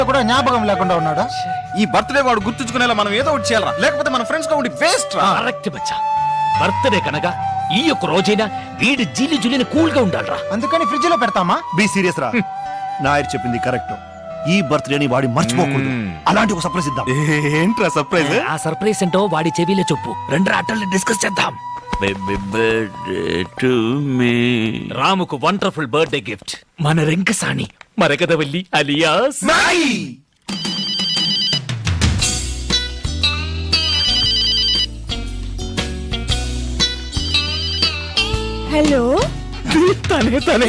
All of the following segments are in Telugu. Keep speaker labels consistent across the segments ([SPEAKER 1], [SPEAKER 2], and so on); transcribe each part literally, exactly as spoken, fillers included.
[SPEAKER 1] కూడా జ్ఞాపకం లేకుండా ఉన్నాడు.
[SPEAKER 2] ఈ బర్త్డే వాడు గుర్తుంచుకునేలా మనం ఏదో ఒకటి చేయాలరా, లేకపోతే మన ఫ్రెండ్స్ గా ఉండి వేస్ట్ రా.
[SPEAKER 3] కరెక్ట్ బచ్చా, బర్త్డే కనుక ఈ యొక్క రోజైనా వీడి జీలి జులిని కూల్ గా ఉండాలరా.
[SPEAKER 1] అందుకని ఫ్రిడ్జ్ లో పెడతామా?
[SPEAKER 4] బి సీరియస్ రా. నాయర్ చెప్పింది కరెక్ట్. ఈ బర్త్డేని వాడి మర్చిపోకూడదు. అలాంటి ఒక సర్ప్రైజ్ ఇద్దాం.
[SPEAKER 2] ఏంట్రా సర్ప్రైజ్?
[SPEAKER 3] ఆ సర్ప్రైజ్ ఏంటో వాడి చెవిలో చెప్పు. రెండు ఆటల్ని డిస్కస్ చేద్దాం.
[SPEAKER 5] Baby birthday to me.
[SPEAKER 3] రాముకు వండర్ఫుల్ బర్త్డే గిఫ్ట్ మన రెంకసాని మరకదవల్లి అలియాస్
[SPEAKER 6] హలో,
[SPEAKER 3] తనే తనే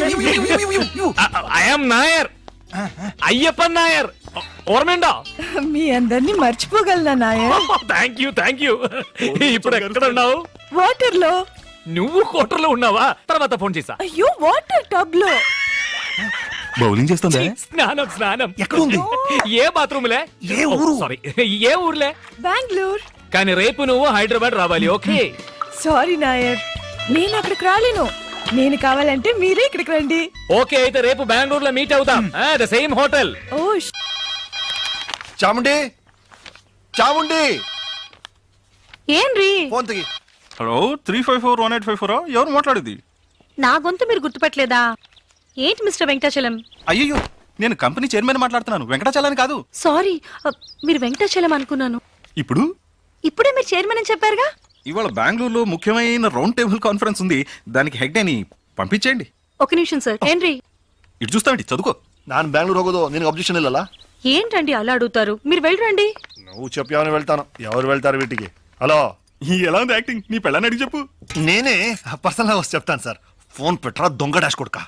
[SPEAKER 3] ఐఎమ్ నాయర్, అయ్యప్పన్ నాయర్. ఓర్మేండా?
[SPEAKER 6] మీ అందరినీ మర్చిపోగలనా Nair?
[SPEAKER 3] Thank you thank you. ఇప్పుడు ఎక్కడ ఉన్నావు?
[SPEAKER 6] వాటర్ లో.
[SPEAKER 3] నువ్వు కోటర్లో ఉన్నావా? తర్వాత ఫోన్ చేసా.
[SPEAKER 6] అయ్యో, వాటర్ టబ్ లో.
[SPEAKER 2] బౌలింగ్ చేస్తుందా?
[SPEAKER 3] స్నానం స్నానం.
[SPEAKER 4] ఎక్కడ ఉంది?
[SPEAKER 3] ఏ బాత్రూమ్లే?
[SPEAKER 4] ఏ ఊరు?
[SPEAKER 3] సారీ, ఏ ఊర్లే?
[SPEAKER 6] బెంగళూరు.
[SPEAKER 3] కానీ రేపు నువ్వు హైదరాబాద్ రావాలి. ఓకే?
[SPEAKER 6] సారీ నాయర్, నేను అక్కడికి రాలేను. నేను కావాలంటే మీరే ఇక్కడికి రండి.
[SPEAKER 3] ఓకే, అయితే రేపు బెంగళూరులో మీట్ అవుతాం. The same hotel.
[SPEAKER 6] ఓ
[SPEAKER 4] చాముండి, చాముండి,
[SPEAKER 6] ఏంరి?
[SPEAKER 4] ఫోన్ తిగి.
[SPEAKER 2] Hello, three five four one eight five four ఎవరు మాట్లాడేది?
[SPEAKER 7] నా గొంతు మీరు గుర్తుపట్టలేదా? ఏంటి మిస్టర్ వెంకటాచలం?
[SPEAKER 2] అయ్యో, నేను కంపెనీ చైర్మన్ మాట్లాడుతున్నాను, వెంకటాచలాని కాదు.
[SPEAKER 7] సారీ, మీరు వెంకటాచలం అనుకున్నాను.
[SPEAKER 2] ఇప్పుడు
[SPEAKER 7] ఇప్పుడే మీరు చైర్మన్ అని చెప్పారుగా.
[SPEAKER 2] ఇవాళ బెంగళూరులో ముఖ్యమైన రౌండ్ టేబుల్ కాన్ఫరెన్స్ ఉంది, దానికి హెడ్ అని పంపించేయండి.
[SPEAKER 7] ఒక నిమిషం సార్. ఏంటి
[SPEAKER 2] ఇటు చూస్తామండి, చదువుకో.
[SPEAKER 4] ನಾನು ಬ್ಯಾಂಗ್ಳೂರ್ ಹೋಗೋದು ನಿನಗೆ ಅಬ್ಜೆಕ್ಷನ್ ಇಲ್ಲಲ್ಲ?
[SPEAKER 7] ఏంటండి అలా అడుగుతారు? మీరు వెళ్ళరండి.
[SPEAKER 4] నువ్వు చెప్పావని వెళ్తాను. ఎవరు వెళ్తారు వీటికి? హలో,
[SPEAKER 2] ఎలా ఉంది యాక్టింగ్? నీ పెళ్ళని అడిగి చెప్పు.
[SPEAKER 4] నేనే పర్సనల్ గా వచ్చి చెప్తాను సార్. ఫోన్ పెట్టరా దొంగ డాష్ కొడుక.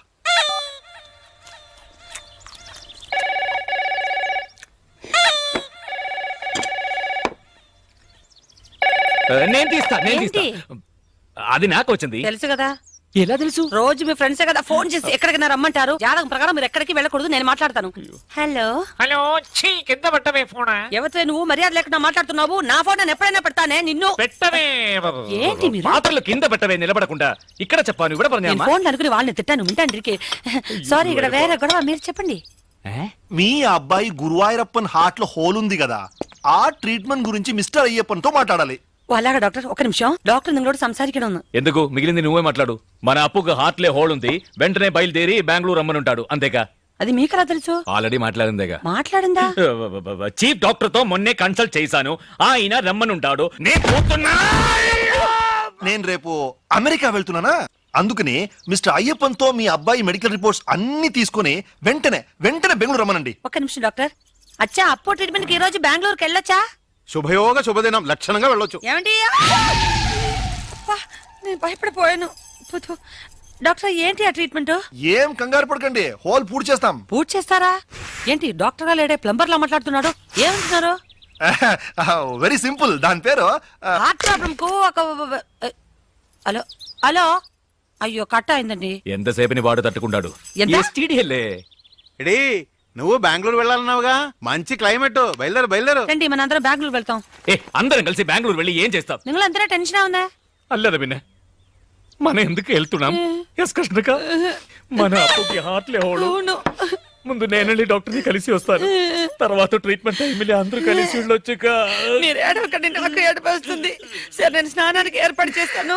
[SPEAKER 3] నేను తీస్తా నేను తీస్తా.
[SPEAKER 7] ఏంటి?
[SPEAKER 3] అది నాకు వచ్చింది.
[SPEAKER 7] తెలుసు కదా,
[SPEAKER 3] ఎలా తెలుసు?
[SPEAKER 7] రోజు మీ ఫ్రెండ్సే కదా ఫోన్ చేసి ఎక్కడికి రమ్మంటారు. జాతకం ప్రకారం మీరు ఎక్కడికి వెళ్ళకూడదు, నేను మాట్లాడతాను. హలో
[SPEAKER 3] హలో, ఛీ, కింద పెట్టవే ఫోన్.
[SPEAKER 7] ఎవరితో నువ్వు మర్యాద లేకుండా మాట్లాడుతున్నావు? నా ఫోన్ నేను ఎప్పుడైనా పెడతానే నిన్ను.
[SPEAKER 3] పెట్టవే.
[SPEAKER 7] ఏంటి మీరు?
[SPEAKER 3] పాత్రలు కింద పెట్టవే, నిలబడకుండా. ఇక్కడ చెప్పాను, ఇక్కడ
[SPEAKER 7] నేను
[SPEAKER 3] పని.
[SPEAKER 7] ఫోన్ అనుకుని వాళ్ళని తిట్టాను. వింటాండ్రికి. సారీ, ఇక్కడ వేరే గొడవ. మీరు చెప్పండి.
[SPEAKER 4] మీ అబ్బాయి గురువాయూరప్పన్ హార్ట్ లో హోల్ ఉంది కదా, ఆ ట్రీట్మెంట్ గురించి మిస్టర్ అయ్యప్పన్ తో మాట్లాడాలి.
[SPEAKER 7] అలాగా డాక్టర్, ఒక నిమిషం. డాక్టర్ నిങ്ങളోട് సంസാരിക്കണം.
[SPEAKER 3] ఎందుకు? మిగిలింది నువ్వే మాట్లాడు. మన అప్పుకు హార్ట్లే హోల్ ఉంది, వెంటనే బయలుదేరి బెంగళూరు రమ్మనుంటాడు. అంతేగా?
[SPEAKER 7] అది మీకెలా తెలుసు?
[SPEAKER 3] ఆల్రెడీ మాట్లాడిందేగా.
[SPEAKER 7] మాట్లాడిందా?
[SPEAKER 3] చీఫ్ డాక్టర్ తో మొన్నే కన్సల్ట్ చేశాను, ఆయన రమ్మనుంటాడు. నేను పోతున్నా.
[SPEAKER 4] నేను రేపు అమెరికా వెళ్తున్నానా, అందుకని మిస్టర్ అయ్యప్పన్ తో మీ అబ్బాయి మెడికల్ రిపోర్ట్స్ అన్ని తీసుకుని వెంటనే వెంటనే బెంగళూరు రమ్మనండి.
[SPEAKER 7] ఒక్క నిమిషం డాక్టర్. అచ్చా, అప్పో ట్రీట్మెంట్ కి ఈ రోజు బెంగళూరుకి వెళ్ళొచ్చా?
[SPEAKER 2] శుభయోగ శుభదినం, లక్షణంగా వెళ్ళొచ్చు.
[SPEAKER 7] ఏమండి? అబ్బా, నేను భయపడిపోయాను. థు, థు. డాక్టర్, ఏంటి ఆ ట్రీట్మెంట్?
[SPEAKER 4] ఏం కంగారు పడకండి, హోల్ పూర్తి చేస్తాం.
[SPEAKER 7] పూర్తి చేస్తారా? ఏంటి డాక్టర్ గా లేడే ప్లంబర్ లా మాట్లాడుతున్నాడు? ఏమంటున్నారు?
[SPEAKER 4] వెరీ సింపుల్, దాని పేరు
[SPEAKER 7] హార్ట్ ప్రాబ్లం కు ఒక హలో హలో అయ్యో, కట్ అయిందండి.
[SPEAKER 3] ఎంతసేపని వాడు తట్టుకుంటాడు.
[SPEAKER 7] ఎంత?
[SPEAKER 3] ఎస్టీడీఎల్ఏ.
[SPEAKER 2] ఎడీ, నువ్వు బెంగళూరు వెళ్ళాలన్నావుగా, మంచి క్లైమేట్, బయలుదేరు బయలుదేరు.
[SPEAKER 7] రండి, మనందరం బెంగళూరు వెళ్తాం.
[SPEAKER 3] ఏ, అందరం కలిసి బెంగళూరు వెళ్ళి ఏం చేస్తాం?
[SPEAKER 7] నిങ്ങളందరూ టెన్షన్ ఉందా?
[SPEAKER 3] అల్లదా పిన్న, మనం ఎందుకు వెళ్తున్నాం? ఎస్ కృష్ణక, మన అప్పుకి హార్ట్లే హోడు.
[SPEAKER 7] అవును.
[SPEAKER 3] ముందు నేనండి డాక్టర్ ని కలిసి వస్తాను, తర్వాత ట్రీట్మెంట్ టైంలో అందరూ కలిసి వెళ్ళొచ్చుక.
[SPEAKER 7] మీరు ఏడవకండి, నాకు ఏడుపు వస్తుంది. సరే, నేను స్నానానికి ఏర్పాటు చేస్తాను.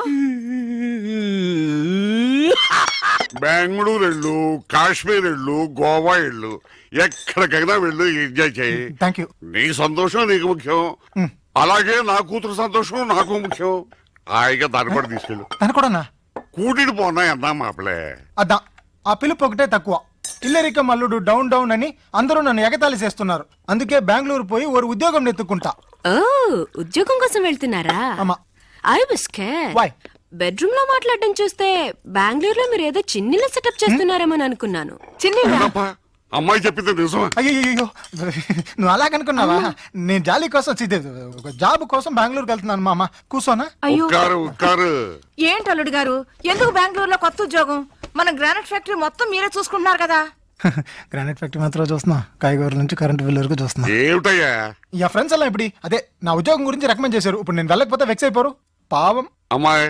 [SPEAKER 8] బెంగళూరు వెళ్ళు, కాశ్మీర్ వెళ్ళు, గోవా వెళ్ళు, ఎక్కడికైనా వెళ్ళు, ఎంజాయ్ చేయి.
[SPEAKER 1] Thank you.
[SPEAKER 8] నీ సంతోషం నీకు ముఖ్యం, అలాగే నా కూతురు సంతోషం నాకు ముఖ్యం. హాయిగా దాని కూడా తీసుకెళ్ళు.
[SPEAKER 1] తను కూడా
[SPEAKER 8] కూటిని పోనా అన్నా మాపలే.
[SPEAKER 1] అద్దా, ఆ పిలుపు ఒకటే తక్కువ. ఇల్లరిక మల్లుడు డౌన్ డౌన్ అని అందరూ నన్ను ఎగతాళి చేస్తున్నారు. అందుకే బెంగళూరు పోయి ఓ ఉద్యోగం ఎత్తుకుంటా.
[SPEAKER 9] ఓ, ఉద్యోగం కోసం వెళ్తున్నారా?
[SPEAKER 1] అమ్మా,
[SPEAKER 9] I was scared.
[SPEAKER 1] Why?
[SPEAKER 9] Bedroom లో మాట్లాడడం చూస్తే బెంగళూరులో మీరు ఏదో చిన్నిల సెటప్ చేస్తున్నారేమో అనుకున్నాను.
[SPEAKER 8] అవునప్పా, అమ్మాయి చెప్పింది నిజమా?
[SPEAKER 1] అయ్యో, నువ్వు అలాగనుకున్నావా? నేను జాలీ కోసం చి- ఒక జాబ్ కోసం బెంగళూరుకి వెళ్తున్నాను. మామ కూర్చోనా?
[SPEAKER 9] అయ్యో,
[SPEAKER 8] ఉక్కారు ఉక్కారు.
[SPEAKER 6] ఏంటి అల్లుడు గారు, ఎందుకు బెంగళూరులో కొత్త ఉద్యోగం? మన గ్రానైట్ ఫ్యాక్టరీ మొత్తం మీరే చూసుకుంటున్నారు కదా.
[SPEAKER 1] గ్రానైట్ ఫ్యాక్టరీ మాత్రం చూస్తున్నా, కాయగూరల నుంచి కరెంట్ బిల్ వరకు చూస్తున్నా.
[SPEAKER 8] ఏమిటయ్యా?
[SPEAKER 1] ఇక ఫ్రెండ్స్ అలా ఇప్పుడు అదే నా ఉద్యోగం గురించి రికమెండ్ చేశారు. ఇప్పుడు నేను వెళ్ళకపోతే వెక్స్ అయిపోరు. పావం.
[SPEAKER 8] అమ్మాయి,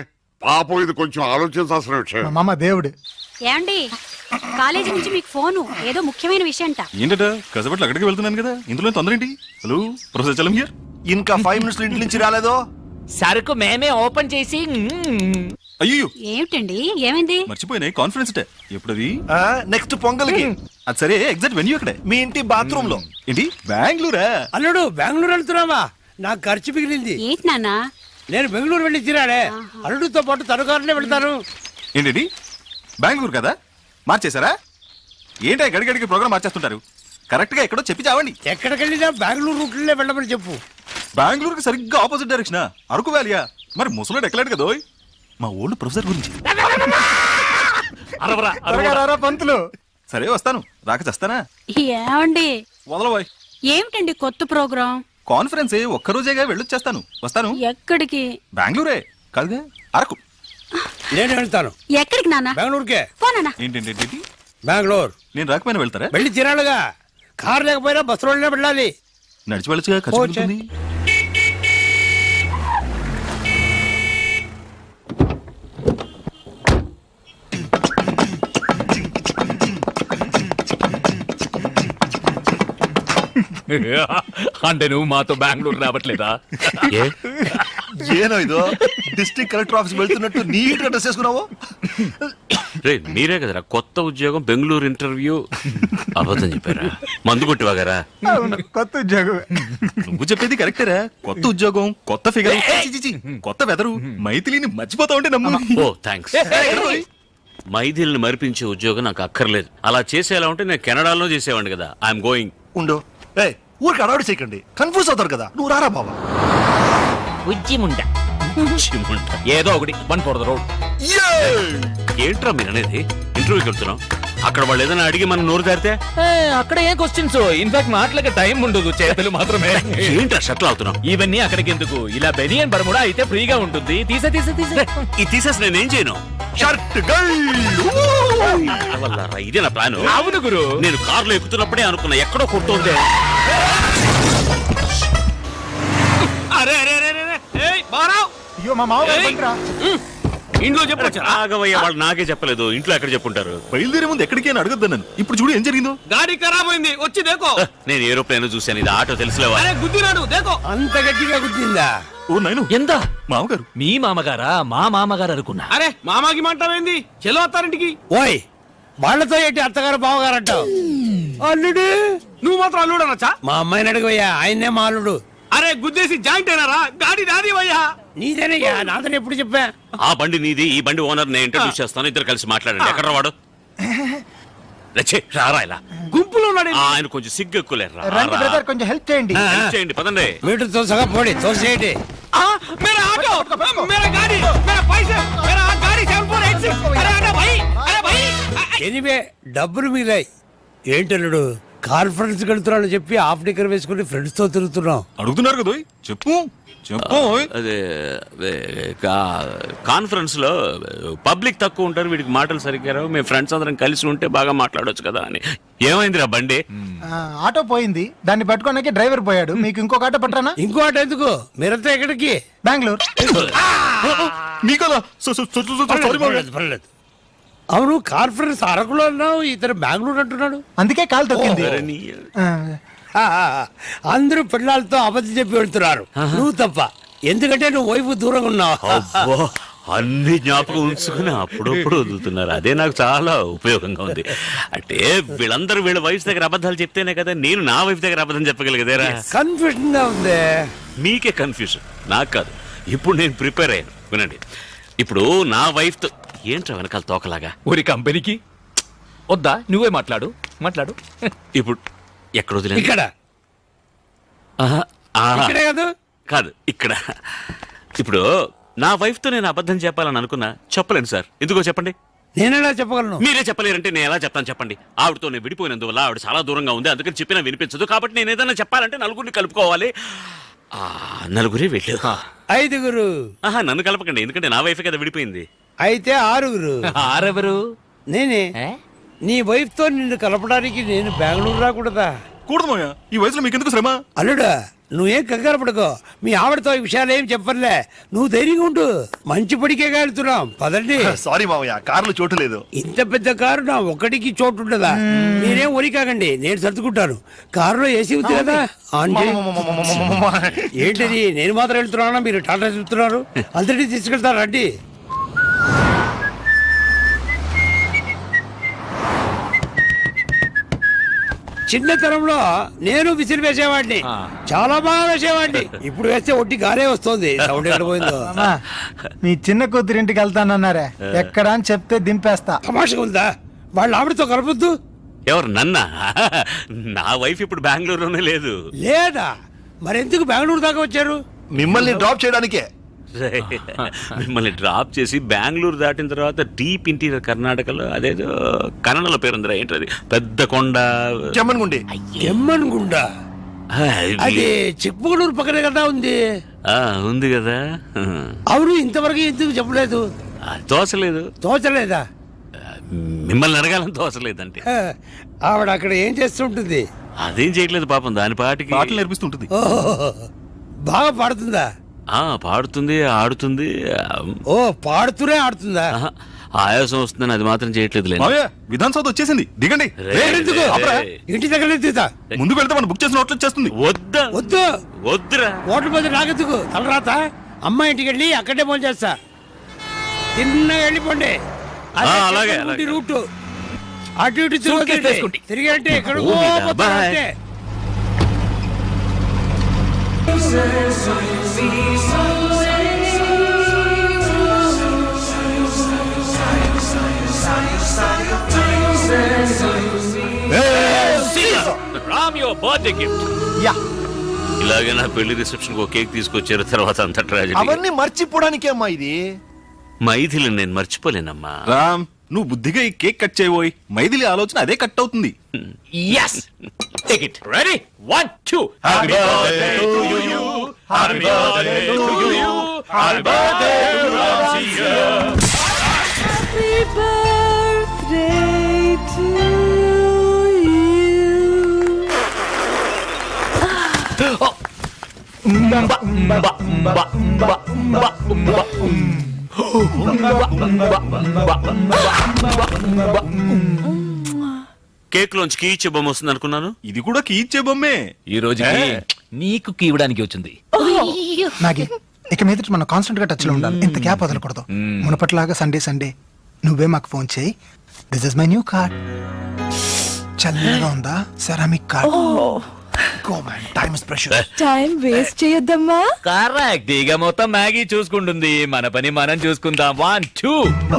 [SPEAKER 8] పాపం ఇది కొంచెం ఆలోచించాల్సిన
[SPEAKER 1] మా
[SPEAKER 8] విషయం.
[SPEAKER 1] మామ దేవుడు.
[SPEAKER 7] ఏమండి కాలేజీ నుంచి మీకు ఫోను ఏదో ముఖ్యమైన విషయం అంట.
[SPEAKER 2] ఏంటట కసపట్లు అక్కడికి వెళ్తున్నాను కదా, ఇందులో తొందర ఏంటి? Hello professor Chalam here.
[SPEAKER 4] ఇంకా ఫైవ్ మినిట్స్ ఇంటి నుంచి రాలేదో?
[SPEAKER 3] సరుకు మేమే ఓపెన్ చేసి
[SPEAKER 2] అయ్యో
[SPEAKER 7] ఏమిటండి ఏమైంది?
[SPEAKER 2] మర్చిపోయినాయి కాన్ఫరెన్స్ డే ఎప్పుడది?
[SPEAKER 4] నెక్స్ట్ పొంగల్కి
[SPEAKER 2] అది సరే, ఎగ్జాక్ట్ వెన్యూ అక్కడే
[SPEAKER 4] మీ ఇంటి బాత్రూమ్ లో.
[SPEAKER 2] ఏంటి బెంగళూరా?
[SPEAKER 10] అల్లుడు బెంగళూరు వెళ్తున్నావా? నాకు ఖర్చు మిగిలింది.
[SPEAKER 7] ఏంటి నాన్న?
[SPEAKER 10] నేను బెంగళూరు వెళ్ళి తిరాడే. అల్లుడితో పాటు తనుకారులే వెళ్తాను.
[SPEAKER 2] ఏంటి బెంగళూరు కదా, మార్చేశారా? ఏంటి గడిగడికి ప్రోగ్రామ్ మార్చేస్తుంటారు? కరెక్ట్ గా ఎక్కడో చెప్పి చావండి.
[SPEAKER 10] ఎక్కడికి వెళ్ళినా బెంగళూరు రూట్లే వెళ్ళమని చెప్పు.
[SPEAKER 2] బెంగళూరుకి సరిగ్గా ఆపోజిట్ డైరెక్షన్ అరకు వ్యాలియా? మరి ముసలాడు ఎక్కలేడు కదా ఓయ్. మా ఓల్డ్ ప్రొఫెసర్ గురించి.
[SPEAKER 3] అరవరా
[SPEAKER 1] త్వరగా రారా పంతులు.
[SPEAKER 2] సరే వస్తాను, రాక చేస్తానా?
[SPEAKER 7] ఏమండి
[SPEAKER 2] వదలబోయ్.
[SPEAKER 7] ఏమిటండి కొత్త ప్రోగ్రాం?
[SPEAKER 2] కాన్ఫరెన్స్ ఒక్కరోజేగా వెళ్ళొచ్చేస్తాను. వస్తాను.
[SPEAKER 7] ఎక్కడికి?
[SPEAKER 2] బెంగళూరే కాదుగా, అరకు.
[SPEAKER 10] నేను వెళ్తాను.
[SPEAKER 7] ఎక్కడికి నాన్న?
[SPEAKER 10] బెంగళూరుకే.
[SPEAKER 7] పోనా?
[SPEAKER 2] ఏంటంటే
[SPEAKER 10] బెంగళూరు
[SPEAKER 2] నేను రాకపోయినా వెళ్తారా?
[SPEAKER 10] వెళ్ళి తిరాడుగా. కారు లేకపోయినా బస్సులోనే వెళ్ళాలి.
[SPEAKER 2] నడిచి వెళ్ళొచ్చుగా, ఖర్చు
[SPEAKER 10] ఓ, చే-
[SPEAKER 2] పెరుగుతుంది.
[SPEAKER 3] అంటే నువ్వు మాతో బెంగళూరు రావట్లేదా?
[SPEAKER 4] ఏనో ఇదో డిస్ట్రిక్ట్ కలెక్టర్ ఆఫీస్ వెళ్తున్నట్టు నీట్ గా డ్రెస్ చేసుకున్నావు.
[SPEAKER 5] రే మీరే కదరా కొత్త ఉద్యోగం బెంగళూరు ఇంటర్వ్యూ అబద్ధం చెప్పారా? మందు కొట్టివాగారా?
[SPEAKER 1] అవును, కొత్త ఉద్యోగం.
[SPEAKER 2] నువ్వు చెప్పేది కరెక్టేరా. కొత్త ఉద్యోగం, కొత్త ఫిగర్, కొత్త వెదరు. మైథిలిని మర్చిపోతా ఉంటే నమ్ము.
[SPEAKER 5] ఓ థ్యాంక్స్. మైథిల్ని మరిపించే ఉద్యోగం నాకు అక్కర్లేదు. అలా చేసేలా ఉంటే నేను కెనడాలో చేసేవాడిని కదా. I'm going.
[SPEAKER 4] ఉండు ఏ ఊరికి అడవాడి చేయకండి, కన్ఫ్యూజ్ అవుతారు కదా. నువ్వు రారా బాబా.
[SPEAKER 3] ఉజ్జిముండ ఏదో ఒకటి వన్ ఫోర్ ద రోడ్.
[SPEAKER 5] ఏంట్రా మీరు అనేది? ఇంటర్వ్యూకి వెళ్తున్నాం, అక్కడ వాళ్ళు ఏదైనా అడిగి మనం నోరు దారితే
[SPEAKER 3] అక్కడ ఏ క్వశ్చన్స్? ఇన్ఫాక్ట్ మాటలకి టైం ఉండదు, చేతులు మాత్రమే.
[SPEAKER 5] ఏంట్రా షట్లు అవుతున్నాం?
[SPEAKER 3] ఇవన్నీ అక్కడికి ఎందుకు? ఇలా బెనియన్ బర్ముడా అయితే ఫ్రీగా ఉంటుంది. తీసే తీసే తీసే
[SPEAKER 5] ఇది తీసేసి నేనేం చేయను?
[SPEAKER 4] షర్ట్
[SPEAKER 5] వల్లారా, ఇదే నా ప్లాన్.
[SPEAKER 3] అవును గురు.
[SPEAKER 5] నేను కారులో ఎక్కుతున్నప్పుడే అనుకున్నా ఎక్కడో కొడుతుంది.
[SPEAKER 3] అరే అరే అరే అరే ఏయ్ బారావ్,
[SPEAKER 1] అయ్యో మా మామ గారు బండిరా.
[SPEAKER 3] ఇంట్లో చెప్పొచ్చు.
[SPEAKER 5] రాఘవయ్య వాళ్ళు నాకే చెప్పలేదు, ఇంట్లో ఎక్కడ చెప్పుంటారు?
[SPEAKER 2] బయలుదేరే ముందు ఎక్కడికి అని అడగద్దు నన్ను. ఇప్పుడు చూడు ఏం జరిగిందో.
[SPEAKER 3] గాడి ఖరాబ్ అయింది, వచ్చి దేకో.
[SPEAKER 5] నేను ఏరోప్లేన్ చూశాను, ఇది ఆటో తెలుసులేవా?
[SPEAKER 3] అరే గుద్దినాడు, దేకో.
[SPEAKER 10] అంత గట్టిగా గుర్తిందా?
[SPEAKER 2] ఓ నైను,
[SPEAKER 3] ఎంత?
[SPEAKER 2] మామగారు.
[SPEAKER 3] మీ మామగారా? మా మామగారు అనుకున్నా. అరే మామాకి మంటావేంది? చెలో అత్తారింటికి.
[SPEAKER 10] ఓయ్, వాళ్ళతో ఏంటి అత్తగారు బావగారు అంటావు? అల్లుడు,
[SPEAKER 3] నువ్వు మాత్రం అల్లుడు అనొచ్చా?
[SPEAKER 10] మా అమ్మాయిని అడుగుయ్యా, ఆయన్నే మా అల్లుడు.
[SPEAKER 3] అరే గుద్దేసి జాయింట్ అయినారా? గాడి నాది వయ్యా.
[SPEAKER 10] నీదేనయ్యా, నాదని ఎప్పుడు చెప్పా?
[SPEAKER 5] ఆ బండి నీది, ఈ బండి ఓనర్ నేను ఇంట్రడ్యూస్ చేస్తాను, ఇద్దరు కలిసి మాట్లాడండి. ఎక్కడ వాడు? రచ్చే రారా ఇలా.
[SPEAKER 3] గుంపులో ఉన్నాడు.
[SPEAKER 5] ఆ, ఆయన కొంచెం సిగ్గు ఎక్కువలేరు.
[SPEAKER 1] రండి బ్రదర్, కొంచెం హెల్ప్ చేయండి.
[SPEAKER 5] చేయండి పదండి.
[SPEAKER 10] మీటర్ తోసగా పోడి, తోసేయండి.
[SPEAKER 3] ఆ, మేరా ఆటో, మేరా గాడి, మేరా పైసే, మేరా గాడి సెవెన్ ఫోర్ ఎయిట్ సిక్స్. అరే అరే భయ్, అరే భయ్.
[SPEAKER 10] ఎనివే డబ్బులు మిగిలాయి. ఏంటల్లుడు, కాన్ఫరెన్స్ వెళ్తున్నాను చెప్పి హాఫ్ డిక్కర్ వేసుకుని ఫ్రెండ్స్ తో తిరుగుతున్నాం.
[SPEAKER 2] అడుగుతున్నారు కదా ఓయ్. చెప్పు చెప్పు ఓయ్.
[SPEAKER 5] అదే అదే, కా- కాన్ఫరెన్స్ లో పబ్లిక్ తక్కువ ఉంటారు, వీడికి మాటలు సరిగ్గా రావు. మేము ఫ్రెండ్స్ అందరం కలిసి ఉంటే బాగా మాట్లాడొచ్చు కదా అని. ఏమైందిరా బండి?
[SPEAKER 1] ఆ, ఆటో పోయింది, దాన్ని పట్టుకోడానికి డ్రైవర్ పోయాడు. మీకు ఇంకొక ఆటో పట్టరానా?
[SPEAKER 10] ఇంకో ఆట ఎందుకు? మీరంతా ఎక్కడికి?
[SPEAKER 1] బెంగళూరు.
[SPEAKER 2] మీకలా so- so- so- so- so- sorry
[SPEAKER 10] పర్లేదు,
[SPEAKER 2] మామగారు.
[SPEAKER 10] పర్లేదు, పర్లేదు. అవును, కాన్ఫరెన్స్ అరకులో అన్నావు, ఇతను బెంగళూరు అంటున్నాడు.
[SPEAKER 1] అందుకే కాలు తొక్కింది.
[SPEAKER 5] అరే నీ-
[SPEAKER 1] ఆ,
[SPEAKER 10] ఆ, ఆ, ఆ. అందరూ పిల్లలతో అబద్ధం చెప్పి వెళ్తున్నారు, నువ్వు తప్ప. ఎందుకంటే నువ్వు వైపు దూరంగా ఉన్నావు.
[SPEAKER 5] అబ్బో, అన్ని జ్ఞాపకం ఉంచుకుని అప్పుడప్పుడు వదులుతున్నారు. అదే నాకు చాలా ఉపయోగంగా ఉంది. అంటే వీళ్ళందరూ వీళ్ళ వైఫ్ దగ్గర అబద్ధాలు చెప్తేనే కదా నేను నా వైఫ్ దగ్గర అబద్ధం చెప్పగలిగేదేరా.
[SPEAKER 10] కన్ఫ్యూజన్ గా ఉంది.
[SPEAKER 5] మీకే కన్ఫ్యూజన్, నాకు కాదు. ఇప్పుడు నేను ప్రిపేర్ అయ్యాను, వినండి. ఇప్పుడు నా వైఫ్ తో ఏంట్రా వెనకాల తోకలాగా?
[SPEAKER 3] ఊరి కంపెనీకి వద్దా? నువ్వే మాట్లాడు, మాట్లాడు.
[SPEAKER 5] ఇప్పుడు ఎక్కడ వదిలేదు?
[SPEAKER 10] ఇక్కడ
[SPEAKER 5] ఆహా, ఆహా.
[SPEAKER 10] ఇక్కడే కాదు,
[SPEAKER 5] కాదు ఇక్కడ. ఇప్పుడు నా వైఫ్ తో నేను అబద్ధం చెప్పాలని అనుకున్నా, చెప్పలేను సార్. ఎందుకో చెప్పండి.
[SPEAKER 10] నేనేలా చెప్పగలను?
[SPEAKER 5] మీరే చెప్పలేరంటే నేను ఎలా చెప్తాను చెప్పండి. ఆవిడతో నేను విడిపోయినందువల్ల ఆవిడ చాలా దూరంగా ఉంది, అందుకని చెప్పినా వినిపించదు. కాబట్టి నేను ఏదైనా చెప్పాలంటే నలుగురిని కలుపుకోవాలి. ఆ నలుగురే వెళ్ళు.
[SPEAKER 10] ఐదుగురు.
[SPEAKER 5] ఆహా, నన్ను కలపకండి, ఎందుకంటే నా వైఫ్ కదా విడిపోయింది.
[SPEAKER 10] అయితే ఆరుగురు.
[SPEAKER 3] ఆరెవరు?
[SPEAKER 10] నేనే. నీ వైఫ్ తో నిన్ను కలపడానికి నేను బెంగళూరు రాకూడదా?
[SPEAKER 2] కూడదు మామయ్య, ఈ వయసులో మీకెందుకు శ్రమ?
[SPEAKER 10] అల్లుడా, నువ్వేం కంగారు పడుకో మీ ఆవిడతో ఈ విషయాలు ఏం చెప్పర్లే నువ్వు ధైర్యంగా ఉండు మంచి పడికే వెళ్తున్నాం పదండి
[SPEAKER 4] సారీ మావయ్య కారులో చోటు లేదు.
[SPEAKER 10] ఇంత పెద్ద కారు నా ఒక్కడికి చోటు ఉండదా మీరేం ఒరి కాకండి నేను సర్దుకుంటాను కారులో ఏసీ ఉంది కదా ఆన్ చేయి. ఏంటిది నేను మాత్రం వెళ్తున్నానా మీరు టాటా చెప్తున్నారు అందరినీ తీసుకెళ్తారు రండి. చిన్నతనంలో నేను విసిరి వేసేవాడిని చాలా బాగా వేసేవాడిని ఇప్పుడు వేస్తే ఒట్టి గారే వస్తుంది సౌండ్ ఎక్కడ పోయిందో
[SPEAKER 1] మామా, మీ చిన్న కూతురింటికి వెళ్తానన్నారే ఎక్కడ అని చెప్తే దింపేస్తా.
[SPEAKER 10] తమాషగా ఉందా వాళ్ళ ఆవిడతో కలపొద్దు
[SPEAKER 5] ఎవరు నన్నా నా వైఫ్ ఇప్పుడు బెంగళూరులోనే లేదు.
[SPEAKER 10] లేదా మరెందుకు బెంగళూరు దాకా వచ్చారు
[SPEAKER 4] మిమ్మల్ని డ్రాప్ చేయడానికే.
[SPEAKER 5] మిమ్మల్ని డ్రాప్ చేసి బెంగళూరు దాటిన తర్వాత డీప్ ఇంటీరియర్ కర్ణాటకలో అదేదో కన్నడలో పేరుందిరా ఏంటది పెద్ద కొండ
[SPEAKER 4] చెమ్మన్గుండి.
[SPEAKER 10] ఎమ్మనుగుండా అది చిక్మగళూరు పక్కనే కదా ఉంది
[SPEAKER 5] ఆ, ఉంది కదా.
[SPEAKER 10] అవును ఇంతవరకు ఎందుకు చెప్పలేదు
[SPEAKER 5] ఆ, తోసలేదు.
[SPEAKER 10] తోచలేదా
[SPEAKER 5] మిమ్మల్ని అడగాలని తోసలేదంటే
[SPEAKER 10] హ, ఆవిడ అక్కడ ఏం చేస్తుంటుంది
[SPEAKER 5] అదేం చేయట్లేదు పాపం దాని పాటికి
[SPEAKER 2] పాటలు నేర్పిస్తుంటుంది.
[SPEAKER 10] ఓహో బాగా పాడుతుందా
[SPEAKER 5] ఆ పాడుతుంది ఆడుతుంది.
[SPEAKER 10] ఓ పాడుతూనే ఆడుతుందా
[SPEAKER 5] ఆహా, ఆయాసం వస్తుందని అది మాత్రం చేయట్లేదు.
[SPEAKER 2] మావయ్య విధాన్ సౌత్ వచ్చేసింది, దిగండి.
[SPEAKER 10] ఎందుకు? ఇంటి దగ్గర తీతా
[SPEAKER 2] ముందుకు వెళ్తే మనం బుక్ చేసిన హోటల్ వచ్చేస్తుంది.
[SPEAKER 5] వద్దా
[SPEAKER 10] వద్దు
[SPEAKER 5] వద్దురా.
[SPEAKER 10] ఓట్ల మీద నాకెందుకు తలరాత అమ్మ ఇంటికి వెళ్ళి అక్కడే ఫోన్ చేస్తా తిన్నగా వెళ్ళిపోండి అదే
[SPEAKER 5] ఆ, అలాగే,
[SPEAKER 10] చెట్టు
[SPEAKER 5] అలాగే.
[SPEAKER 10] రూటు అటు ఇటు
[SPEAKER 3] Suitcase
[SPEAKER 10] తిరిగి
[SPEAKER 3] వేసుకోండి.
[SPEAKER 10] తిరిగి అంటే ఎక్కడ
[SPEAKER 5] ఓ మీద, bye.
[SPEAKER 3] Ram your birthday gift.
[SPEAKER 1] Yeah
[SPEAKER 5] ఇలాగే నా పెళ్లి రిసెప్షన్ ఒక కేక్ తీసుకొచ్చారు తర్వాత అంత ట్రాజెడీ.
[SPEAKER 4] అవన్నీ మర్చిపోవడానికే అమ్మా ఇది.
[SPEAKER 5] మైథిలి నేను మర్చిపోలేనమ్మా.
[SPEAKER 2] రామ్ నువ్వు బుద్ధిగా ఈ కేక్ కట్ చేయబోయి మైథిలి ఆలోచన అదే కట్ అవుతుంది.
[SPEAKER 3] Yes. Take it. Ready? One, two. Happy birthday to you. Happy birthday to you. Happy birthday to Ramsiya.
[SPEAKER 6] Happy birthday to
[SPEAKER 3] Umba, umba, umba, umba, umba, umba, um.
[SPEAKER 5] Cake లోంచి కీ ఇచ్చే బొమ్మ వస్తుంది అనుకున్నాను.
[SPEAKER 2] ఇది కూడా కీ ఇచ్చే బొమ్మే.
[SPEAKER 3] ఈ రోజుకి నీకు కీవడానికి వచ్చింది.
[SPEAKER 1] నాగి ఇక మీదట మనం కాన్స్టెంట్ గా టచ్ లో ఉండాలి. ఇంత గ్యాప్ వదలకూడదు. మునపట్లాగా సండే సండే నువ్వే మాకు ఫోన్ చేయి. This is my new card. చల్లగా ఉందా ceramic card. Go man time is precious.
[SPEAKER 6] Time waste చేయొద్దమ్మా.
[SPEAKER 3] కరెక్ట్. ఇక మొత్తం మ్యాగీ చూసుకుంటుంది, మన పని మనం చూసుకుందాం. One two.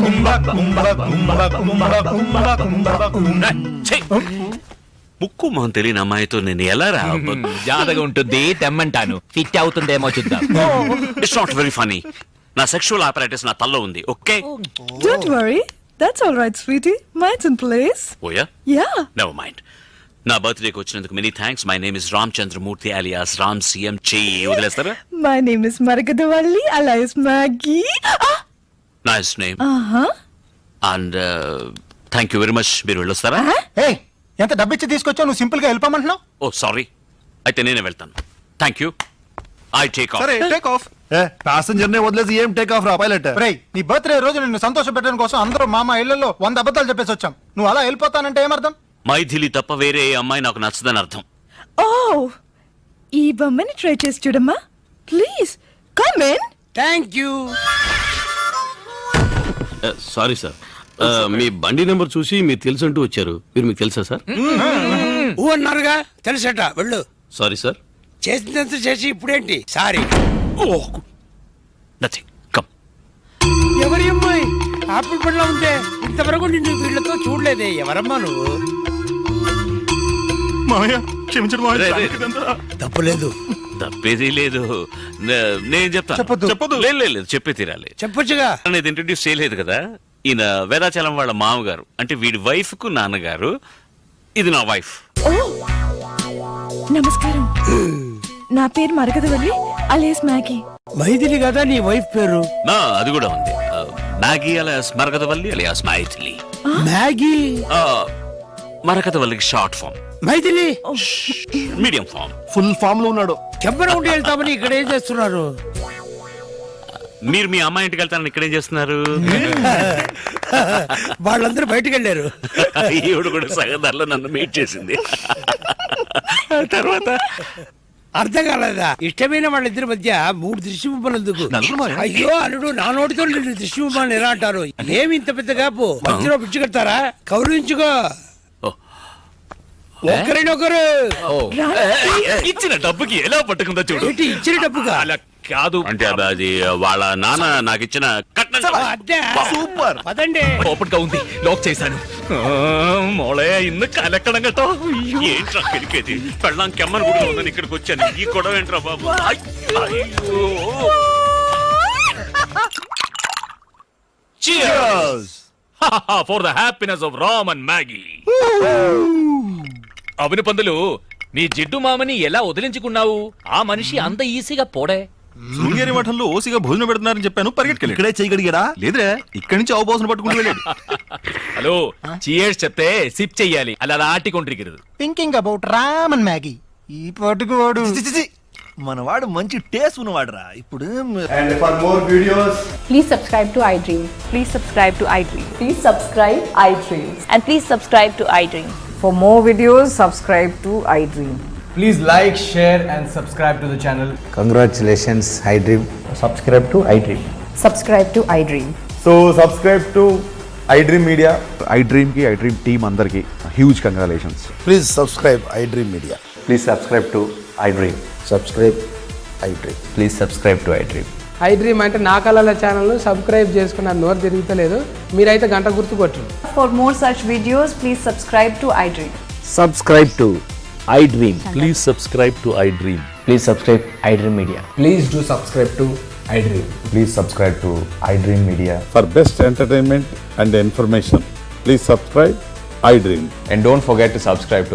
[SPEAKER 5] ముక్కు మొహం తెలియని అమ్మాయితో నేను ఎలా రా?
[SPEAKER 3] జాతగా ఉంటుంది, తెమ్మంటాను. ఫిట్ అవుతుందేమో చూద్దాం.
[SPEAKER 5] It's not very funny. నా సెక్షువల్ ఆపరేటర్స్ నా తల్లో ఉంది. Okay
[SPEAKER 6] don't worry, that's all right sweetie. Minds in place.
[SPEAKER 5] ఓయా
[SPEAKER 6] యా.
[SPEAKER 5] Never mind. నా బర్త్డేకి వచ్చినందుకు many thanks. My name is Ram Chandramurthy alias Ram CM. చెయ్యి వదిలేస్తారా?
[SPEAKER 6] My name is Marakathavalli alias Maggie.
[SPEAKER 5] Nice name
[SPEAKER 6] ఆహా.
[SPEAKER 5] And thank you very much. మీరు వెళ్ళొస్తారా?
[SPEAKER 1] ఏ ఎంత డబ్బిచ్చి తీసుకొచ్చావు నువ్వు సింపుల్ గా వెళ్ళిపోమంటున్నావు.
[SPEAKER 5] ఓ సారీ, అయితే నేనే వెళ్తాను. Thank you. I take off.
[SPEAKER 2] సరే టేక్ ఆఫ్.
[SPEAKER 4] ప్యాసింజర్ నే వదిలేసి ఏం టేక్ ఆఫ్ రా పైలట్.
[SPEAKER 1] రేయ్ నీ బర్త్డే రోజు నిన్ను సంతోష పెట్టడం కోసం అందరూ మామ ఇళ్లలో వంద అబద్ధాలు చెప్పేసి వచ్చాం. నువ్వు అలా వెళ్ళిపోతానంటే ఏమర్థం?
[SPEAKER 5] మైథిలి తప్ప వేరే ఏ అమ్మాయి నాకు నచ్చదని అర్థం.
[SPEAKER 6] ఓ ఈ బొమ్మని ట్రై చేసి చూడమ్మా please. Come in.
[SPEAKER 10] Thank you
[SPEAKER 11] sorry sir, మీ బండి నెంబర్ చూసి మీరు తెలుసంటూ వచ్చారు. మీరు మీకు తెలుసా సార్?
[SPEAKER 10] ఊ అన్నారుగా తెలుసట వెళ్ళు.
[SPEAKER 11] Sorry sir.
[SPEAKER 10] చేసినంత చేసి ఇప్పుడేంటి సారీ.
[SPEAKER 5] నథింగ్. కమ్.
[SPEAKER 10] ఎవరి అమ్మాయి ఆపిల్ పండ్లో ఉంటే ఇంతవరకు నిన్ను వీళ్ళతో చూడలేదే. ఎవరమ్మా నువ్వు?
[SPEAKER 2] మావయ్య క్షమించండి మావయ్య.
[SPEAKER 5] రే, రే.
[SPEAKER 2] ఇదంతా
[SPEAKER 10] తప్పులేదు
[SPEAKER 5] తప్పేది లేదు. నే- నేను చెప్తాను.
[SPEAKER 1] చెప్పొద్దు.
[SPEAKER 5] చెప్పొద్దు. లేదు లేదు, లేదు చెప్పే తీరాలి.
[SPEAKER 10] చెప్పొచ్చుగా.
[SPEAKER 5] అనేది ఇంట్రడ్యూస్ చేయలేదు కదా. ఈయన వేదాచలం వాళ్ళ మామగారు, అంటే వీడి వైఫ్ కు నాన్నగారు. ఇది నా వైఫ్.
[SPEAKER 6] ఓ నమస్కారం. నా పేరు మరకదవల్లి అలైస్ మ్యాగీ.
[SPEAKER 10] మైథిలి కదా నీ వైఫ్ పేరు?
[SPEAKER 5] నా అది కూడా ఉంది. ఆ, Maggie alias Marakathavalli alias Mythili.
[SPEAKER 10] Maggie.
[SPEAKER 5] ఆ, మరకతవల్లికి short form.
[SPEAKER 10] Mythili
[SPEAKER 5] medium form.
[SPEAKER 4] Full form లో ఉన్నాడు.
[SPEAKER 10] కెంపన ఉండి వెళ్తామని ఇక్కడ ఏం చేస్తున్నారు?
[SPEAKER 5] మీరు మీ అమ్మాయి ఇంటికి వెళ్తారని ఇక్కడేం చేస్తున్నారు?
[SPEAKER 10] వాళ్ళందరూ బయటకు వెళ్ళారు.
[SPEAKER 5] ఈవిడ కూడా సగదారిలో నన్ను మీట్ చేసింది. తర్వాత
[SPEAKER 10] అర్థం కాలేదా? ఇష్టమైన వాళ్ళిద్దరి మధ్య మూడు దృష్టి బొమ్మలు ఎందుకు? అయ్యో అల్లుడు, నా నోటితో రెండు దృష్టి బొమ్మలు ఎలా అంటారు? ఏమి ఇంత పెద్ద కాపు? మధ్యలో పిచ్చి కడతారా? కౌరించుకో ఒకరినొకరు.
[SPEAKER 3] ఇచ్చిన డబ్బుకి ఎలా పట్టుకుందో చూడు.
[SPEAKER 10] ఏంటి ఇచ్చిన డబ్బుగా?
[SPEAKER 3] అలా కాదు
[SPEAKER 5] అంటే అది- అది వాళ్ళ నాన్న నాకు ఇచ్చిన కట్నం.
[SPEAKER 10] అదే
[SPEAKER 4] సూపర్.
[SPEAKER 10] పదండి.
[SPEAKER 3] ఓపెన్ గా ఉంది, లాక్ చేశాను. ఆ, మోళే ఇന്ന് కలెక్కడం గట్టో.
[SPEAKER 5] ఏంట్రా కెలికేది? పెళ్ళాం కెమ్మని కూడా ఉందని ఇక్కడికి వచ్చాను. ఈ గొడవ ఏంట్రా బాబు? అయ్, అయ్యో.
[SPEAKER 3] For the happiness of Ram and Maggie. అవును పందులు, నీ జిడ్డు మామని ఎలా వదిలించుకున్నావు? ఆ మనిషి అంత ఈజీగా పోడే.
[SPEAKER 2] శృంగేరి మఠంలో ఓసిగా భోజనం పెడుతున్నారని చెప్పాను, పరిగెట్టుకెళ్ళి.
[SPEAKER 4] ఇక్కడే చేయగలిగాడా?
[SPEAKER 2] లేదురా, ఇక్కడి నుంచి అవబోసన పట్టుకుంటూ వెళ్ళాడు.
[SPEAKER 3] హలో, చియర్స్ చెప్తే సిప్ చెయ్యాలి, అలా ఆటికొండ్రిగిరదు.
[SPEAKER 1] Thinking about Ram and Maggie. ఈ పట్టుకు వాడు
[SPEAKER 4] చి, చి, చి. మనవాడు మంచి టేస్ట్ ఉన్నవాడురా. ఇప్పుడు
[SPEAKER 7] please subscribe to iDream. Please subscribe to iDream. Please subscribe iDream. And please subscribe to iDream.
[SPEAKER 6] For more videos, subscribe to iDream.
[SPEAKER 12] Please like, share and subscribe to the channel.
[SPEAKER 13] Congratulations, iDream.
[SPEAKER 12] Subscribe to iDream.
[SPEAKER 6] Subscribe to iDream.
[SPEAKER 12] So subscribe to iDream Media.
[SPEAKER 13] IDream కి ఐ డ్రీమ్ టీమ్ అందరికి huge congratulations.
[SPEAKER 4] Please subscribe iDream Media.
[SPEAKER 12] Please subscribe to iDream.
[SPEAKER 13] Subscribe iDream.
[SPEAKER 12] Please subscribe to iDream. IDream అంటే నా కళల ఛానల్ సబ్స్క్రైబ్ చేసుకున్న నోరు తిరుగుతలేదు. మీరైతే గంట గుర్తు కొట్టు.
[SPEAKER 6] For more such videos, please subscribe to iDream.
[SPEAKER 13] Subscribe to iDream.
[SPEAKER 11] Please subscribe to iDream.
[SPEAKER 12] Please subscribe iDream Media. Please do subscribe to iDream.
[SPEAKER 13] Please subscribe to iDream Media.
[SPEAKER 8] For best entertainment and information, please subscribe iDream.
[SPEAKER 12] And don't forget to subscribe to